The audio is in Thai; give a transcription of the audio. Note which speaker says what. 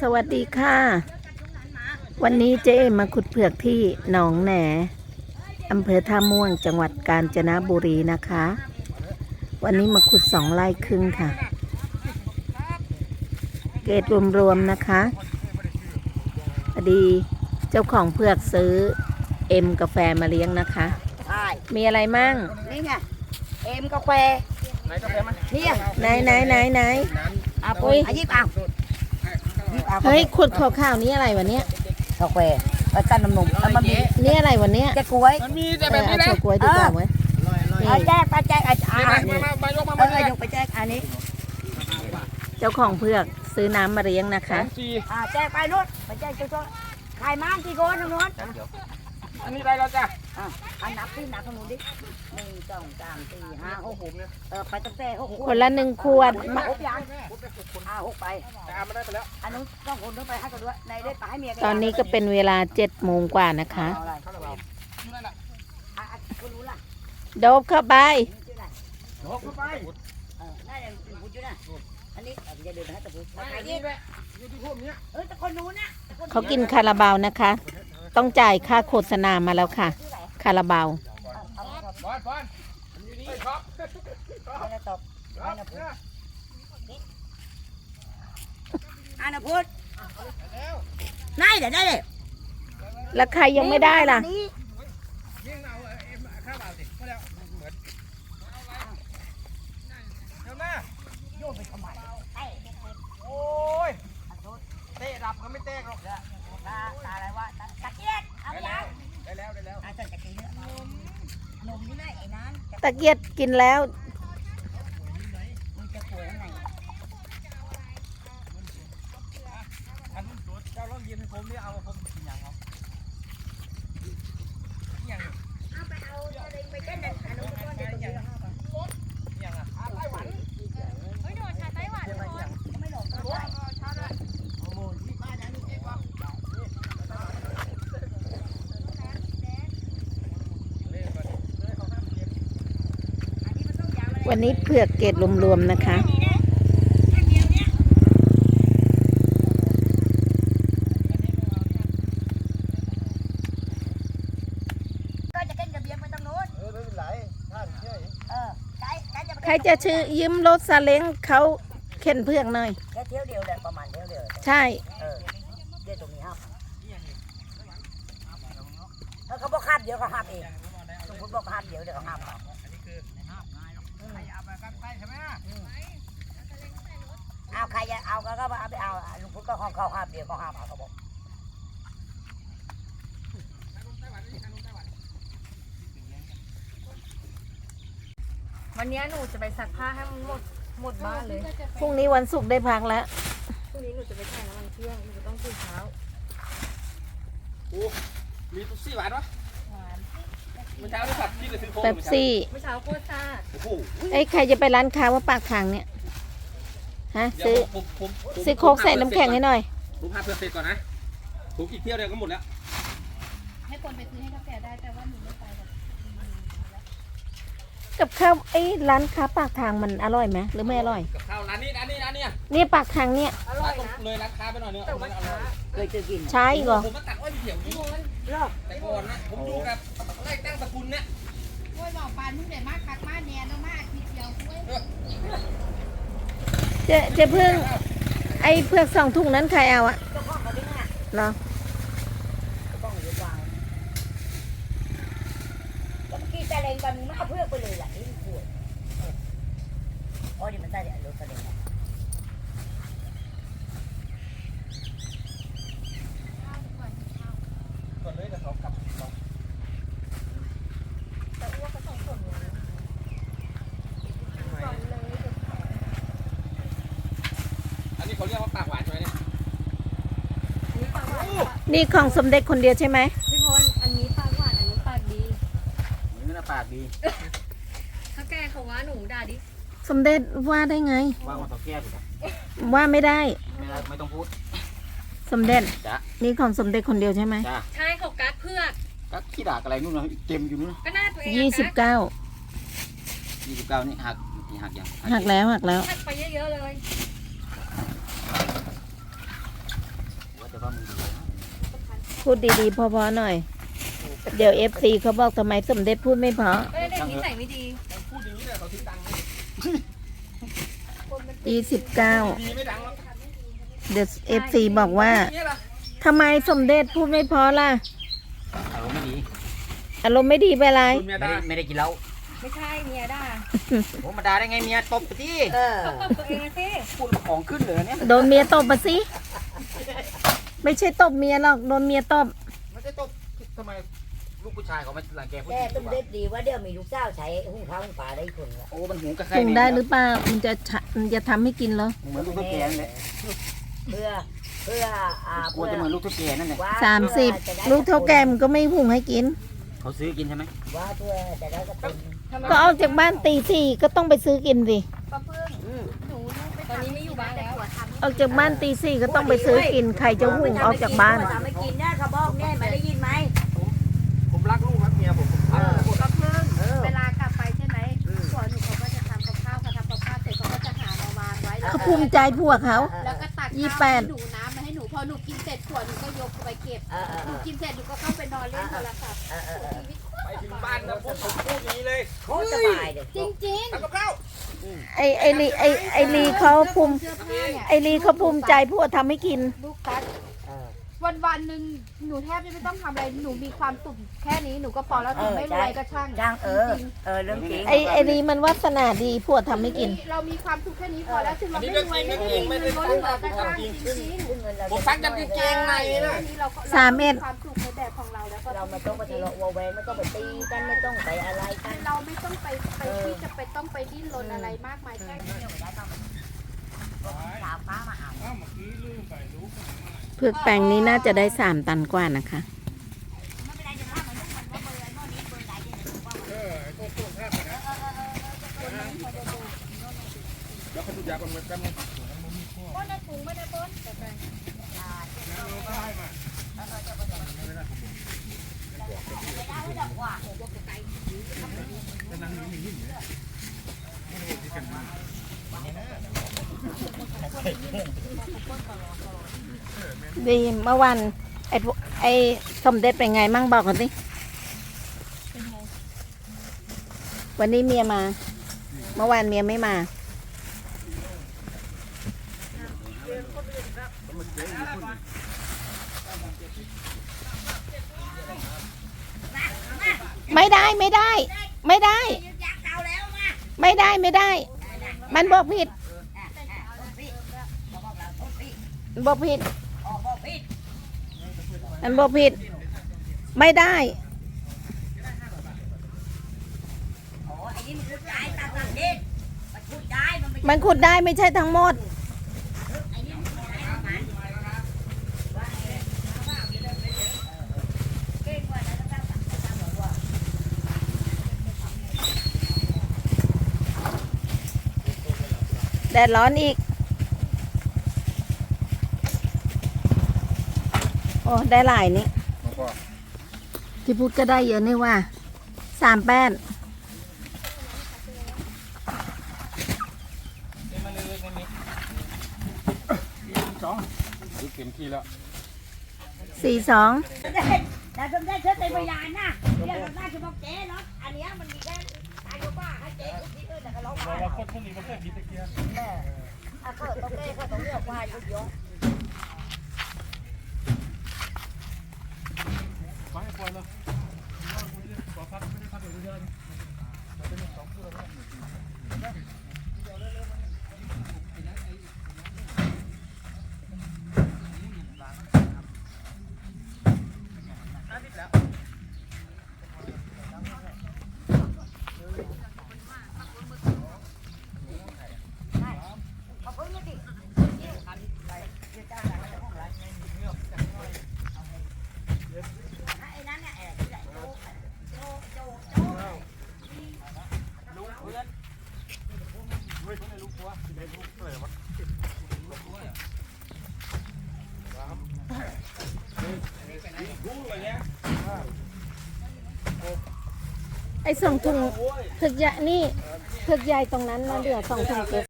Speaker 1: วัสดีค่ะวันนี้เจ๊มาขุดเผือกที่หนองแหนอำเภอท่าม่วงจังหวัดกาญจนบุรีนะคะวันนี้มาขุด2 ไร่ครึ่งค่ะเกรดรวมๆนะคะพอดีเจ้าของเผือกซื้อเอ็มกาแฟมาเลี้ยงนะคะ
Speaker 2: ใช่
Speaker 1: มีอะไรมั่ง
Speaker 2: นี่ไงเอ็มกาแฟ
Speaker 3: ไหนกาแฟมัน
Speaker 2: เนี่ย
Speaker 1: ไหน
Speaker 2: เอาปุ้ยยิบเอา
Speaker 1: เฮ้ยขุดข่าวๆนี้อะไรวะเนี้ย
Speaker 2: กาแฟแล้วกันนมแล้วมันมี
Speaker 1: นี่อะไรวะเนี้ย
Speaker 2: จะกล้วย
Speaker 3: มันมีแต่แบบนี้นะ
Speaker 1: เอากล้วยดีกว่าเว้ย
Speaker 2: เอาแจกไปแจก
Speaker 3: มายกมาย
Speaker 2: กไปแจกอันนี้
Speaker 1: เจ้าของเผือกซื้อน้ำมาเลี้ยงนะคะ
Speaker 2: แจกไปนู้นไปแจกจุดขายม้ามที่โกนตรงนู้น
Speaker 3: อันนี้อะไรเราจ้ะ
Speaker 2: อันนับที่นับตรงนู้นดิ1 2 3 4 5 6ไปตั้งแต่6
Speaker 1: คนละ1 ขวด
Speaker 2: 6ยัง6ไป
Speaker 3: แต่อาไม่ได้ไปแล้ว
Speaker 2: อันนู้นต้องคนต้องไปให้กันด้วยในได้ไปให้เมีย
Speaker 1: ตอนนี้ก็เป็นเวลา7 โมงกว่านะคะโดบเข้าไป
Speaker 3: โดบเข้าไป
Speaker 2: น่าจะพูดอยู่นะอันนี้จะเดินให้ตะพูด
Speaker 3: มาขายนี่ด้วยอยู่ที่พวกนี้
Speaker 2: แต่คนนู้นนะ
Speaker 1: เขากินคาราบาวนะคะต้องจ่ายค่าโฆษณามาแล้วค่ะคาราบาว
Speaker 3: บอลอยู่นี่ครับ
Speaker 2: ไม่ได้ตบไม่ได้พูดอันนั้นพูดได้เลย
Speaker 1: แล้วใครยังไม่ได้ล่ะ
Speaker 3: โอ้ยเตะดับก็ไม่เตะหรอก
Speaker 2: ตาอะไรวะตะเกียบเอาไปยัง
Speaker 3: ได้แล้ว
Speaker 2: อาจจะกินนมนี่แหละไอ้นั้น
Speaker 1: ตะเกียบกินแล้ว
Speaker 2: มันจะป่วยข้างใน
Speaker 3: อันนั้นเจ้าลองยืนให้ผมดิเอาผมกินอย่างเอา
Speaker 2: ไปเอาอะไรไปเต้นนั่นอันนู้นก็เดี๋ยวอย่าง
Speaker 3: ไต้หวัน
Speaker 2: เฮ้ยโดนชาไต้หวันไม่หลง
Speaker 1: วันนี้เผือกเกรดรวมๆนะคะใครจะชื่อยืมรถซาเล้งเขาเข็นเผือกหน่อย
Speaker 2: แค่เที่ยวเดียวแหละประมาณเที่ยวเดียว
Speaker 1: ใช่
Speaker 2: เดี๋ยวตรงนี้ครับแล้วเขาบอกห้ามเดี๋ยวเขาห้ามเองสมมติบอกห้ามเดี๋ยวเขาห้ามเขาเอาใครจะเอาก็เอาไปเอาลุงพุทธก็ของเขาห้ามเดี๋ยวเขาห้ามเอาเขาบอก
Speaker 4: วันนี้หนูจะไปซักผ้าให้มันหมดบ้านเลย
Speaker 1: พรุ่งนี้วันศุกร์ได้พักแล้ว
Speaker 4: พรุ่งนี้หนูจะไปถ่ายน้ำมันเครื่องหนูจะต้องตื่นเช้า
Speaker 3: โอ้มีตุ๊ซี่หวานวะเมื่อเช้าได้ขับที่จะซื้อโค้ก
Speaker 1: เป๊ปซี่
Speaker 4: เมื่อเช้าโคตรซ่า
Speaker 3: โอ้โห
Speaker 1: ใครจะไปร้านค้าว่าปากทางเนี่ยฮะซื้อโค้กใส่น้ำแข็งให้หน่อย
Speaker 3: ผมพาเพื่อนเสร็จก่อนนะผมอีกเที่ยวเดียวก็หมดแล้ว
Speaker 4: ให้คนไปซื้อให้กาแฟได้แต่ว่าหนูไม่ไป
Speaker 1: กับข้าวร้านค้าปากทางมันอร่อยไหมหรือไม่อร่อย
Speaker 3: กับข้าวร้านนี้
Speaker 1: นี่ปากทางเนี่ย
Speaker 4: อร่อยนะ
Speaker 3: เลยร้านค้าไปหน่อยเนื้อ
Speaker 2: เคยกิน
Speaker 1: ใช่เหรอ
Speaker 3: ผมมาตัดอ้อยเดี่ยวนี่แต่ก่อนนะผมดูกับไล่ตั้งสกุลเนี่ย
Speaker 4: กล้วยบอกปานมึงเด็ดมากคักมากแน่นมากทีเดียวกล้วย
Speaker 1: จะเพิ่งเผือก2 ถุงนั้นใครเอาอะเหรอ
Speaker 2: กี่แต่เลงตอนนี้มันเอาเพื่อไปเลยแหละนี่ขวดอ๋อเดี๋ยวมันได้เดี๋ยวรถกระเด็น
Speaker 3: ก่อนเลยจะสอบกลับ
Speaker 4: แต่อ้วกก็2 ส่วนเลย
Speaker 3: อันนี้เขาเรียกว่าปากหวานใช่ไหมเนี่ย
Speaker 4: อันนี้ปากหวาน
Speaker 1: นี่ของสมเด็จคนเดียวใช่ไหม
Speaker 4: พี่พลอันนี้ปากหวานอันนี้ปากดี
Speaker 3: นี่นะปากดี
Speaker 4: ถ้าแกเขาว่าหนูด่าดิ
Speaker 1: สมเด็จว่าได้ไง
Speaker 3: ว่ามาต่อแก้วถูก
Speaker 1: ว่าไม่ได้
Speaker 3: ไม่ต้องพูด
Speaker 1: สมเด็จนี่ของสมเด็จคนเดียวใช่ไหม
Speaker 4: ใช่เขากัดเพื่อก
Speaker 3: กัดขี้ด่าอะไรนู่นนะเต็มอยู่นู่น
Speaker 4: ก็น่าตัวเอง
Speaker 1: 29
Speaker 3: นี่หักยัง
Speaker 1: หักแล้ว
Speaker 4: หักไปเยอะๆเลย
Speaker 3: แต่ว่ามึงดีนะ
Speaker 1: พูดดีๆพอๆหน่อย เดี๋ยว FC เขาบอกทำไมสมเด็จพูดไม่เพราะ
Speaker 4: เอ้ยเด็กนิสัยไม่ดี
Speaker 3: พูดอย่างนี้เนี่ยเขาทิ้งดังไหม
Speaker 1: 29
Speaker 3: ดีไม่ดังหรอก
Speaker 1: เดี๋ยว FC บอกว่า
Speaker 3: เนี่ยล่ะ
Speaker 1: ทำไมสมเด็จพูดไม่เพราะล่ะ
Speaker 3: อารมณ์ไม่ดี
Speaker 1: อารมณ์ไม่ดีไปไร
Speaker 3: คุณเมียด่าไม่ได้กินเหล้า
Speaker 4: ไม่ใช่เมียด่า
Speaker 3: ผมมาด่าได้ไงเมียตบไปที่
Speaker 2: เออ
Speaker 4: ตบตัวเองสิ
Speaker 3: พูดของขึ้นเลยเนี่ย
Speaker 1: โดนเมียตบมาสิ ไม่ใช่ตบเมียหรอก โดนเมียตบ
Speaker 3: ไม่ได้ตบทำไมลูกผู้ชายเขาไม่รังแกผู้ห
Speaker 2: แต่
Speaker 3: ญิง
Speaker 2: ตุ้มเด็ดดีว่าเดี๋ยวมีลูกสาวใช้หุ้งข้าวหุ้งปลาได้คนละ
Speaker 3: โอ้มันหูกระใคร
Speaker 1: ปรุงได้หรือเปล่ามันจะทำให้กินเหรอ
Speaker 3: เหมือนลูกตุ๊กแกนั่นแหละ
Speaker 2: เพื่อก
Speaker 3: ลัวจะเหมือนลูกตุ๊กแกนั่นแหละ
Speaker 2: ว่า
Speaker 1: 30 ลูกเท่าแกมนก็ไม่หุงให้กิน
Speaker 3: เขาซื้อกินใช่ไหม
Speaker 2: ว่าเพื่อจะได้กระตุ้น
Speaker 1: ก็ออกจากบ้านตี 4ก็ต้องไปซื้อกินสิ
Speaker 4: ป้าเพิ่งหนูตอนนี้ไม่อยู่บ้านแล้ว
Speaker 1: ออกจากบ้านตี 4ก็ต้องไปซื้อกิน ใครจะหุงออกจากบ้าน
Speaker 2: ทำให้กินนะเขาบอกเนี่ยไม่ได้ยินไหม
Speaker 3: ผมรักลูกรักเมียผม
Speaker 2: เออ
Speaker 4: ป้าเพิ่ง
Speaker 2: เออ
Speaker 4: เวลากลับไปใช่ไหมผัวหนูเขาก็จะทำกับข้าวพอทำกับข้าวเสร็จเขาก็จะหามาวางไว้แล้ว
Speaker 1: เขาภูมิใจพวกเขา
Speaker 4: แล้วก็ตัก
Speaker 1: ยี่
Speaker 4: ข้าว
Speaker 1: แป
Speaker 4: ให้
Speaker 1: ด
Speaker 4: หนูน้ำมาให้หนูพอหนูกินเสร็จผัวหนูก็ยกไปเก็บ
Speaker 2: เออ
Speaker 4: หนูกินเสร็จหนูก็เข้าไปนอนเล่นโทรศัพท์
Speaker 3: ไปถึงบ้านนะผมพูดอย่างนี้เลย
Speaker 2: โคตรสบายเลย
Speaker 4: จริง
Speaker 3: ทำกับข้าว
Speaker 1: ไอลีเขาภูมิ
Speaker 4: ๆเสื้อผ้าเนี่ย
Speaker 1: ไอลีเขาภูมิใจพวกทำให้กิน
Speaker 4: ลูกตัด
Speaker 2: เออ
Speaker 4: วันหนึ่งหนูแทบจะไม่ต้องทำอะไรหนูมีความสุขแค่นี้หนูก็พอแล้วถึงไม่รวยก็ช่าง
Speaker 2: จ้างเออ
Speaker 4: จริง
Speaker 2: เรื่องจริง
Speaker 1: ไอลีมันวาสนาดีพวกทำให้กิน
Speaker 4: เรามีความสุขแค่นี้พอแล้วถึงเราไม่รวยไม่มีเงินล้นเหลือก็ช่างจริง
Speaker 3: ผมซักยันกางเกงในนะ
Speaker 4: นี่เราก็
Speaker 1: 3M
Speaker 4: ความสุขในแบบของเราแล้วก็
Speaker 2: เราไม่ต้องไปทะเลาะวอแวงไม่ต้องไปตีกันไม่ต้องไปอะไรกัน
Speaker 4: เราไม่ต้องไปที่จะไปต้องไปดิ้นรนอะไรมากมายแค่นี้
Speaker 2: สาวฟ้ามาเอา
Speaker 1: เพือกแปลงนี้น่าจะได้3 ตันกว่านะคะ
Speaker 3: แล้วเขาดูยาก่อนเหมือนกัน
Speaker 4: ป้อนในถุงไม่ได้ป้อน
Speaker 1: ดีเมื่อวันไอสมเด็จเป็นไงมั่งบอกกันสิวันนี้เมียมา เมื่อวานเมียไม่มา ไม่ได้ ไม่ได้ ไม่ได้ ไม่ได้ไม่ได้ มันบอกผิด บอกผิด มันบอกผิด ไม่ได้ มันขุดได้ไม่ใช่ทั้งหมด แดดร้อนอีก โอ้ ได้หลายนี่ที่พูดก็ได้เยอะนี่ว่า3 แป้น
Speaker 3: ดูเข็มทีแล้ว
Speaker 1: 42
Speaker 2: แต่สมได้เธอเป็นพยานนะเรื่องน่าจะบอกเจ๊เนาะอันนี้มันมีแค่ตายก็บ้าให้เจ๊ที่อื่นแต่ก็ร้องไห้
Speaker 3: เราคนพวกนี้มันแค่ผีตะเกียบ
Speaker 2: แม่ก็ต้องเจ๊ก็ต้องเลือกว่าเยอะ
Speaker 3: มาให้ปล่อยเลยขอพักไม่ได้พักเลยเยอะ
Speaker 2: ขอบคุณนะดิไอ้นั้นเนี่ยโจ
Speaker 3: ลูกเพื่อนเฮ้ยคนไหนลูกผัวไหนลูกเลยวะลูกอะไรเงี้ย
Speaker 1: ไอ้2 ถุงถึกใหญ่นี่ถึกใหญ่ตรงนั้นนะเดี๋ยว2 ถุงเก็บ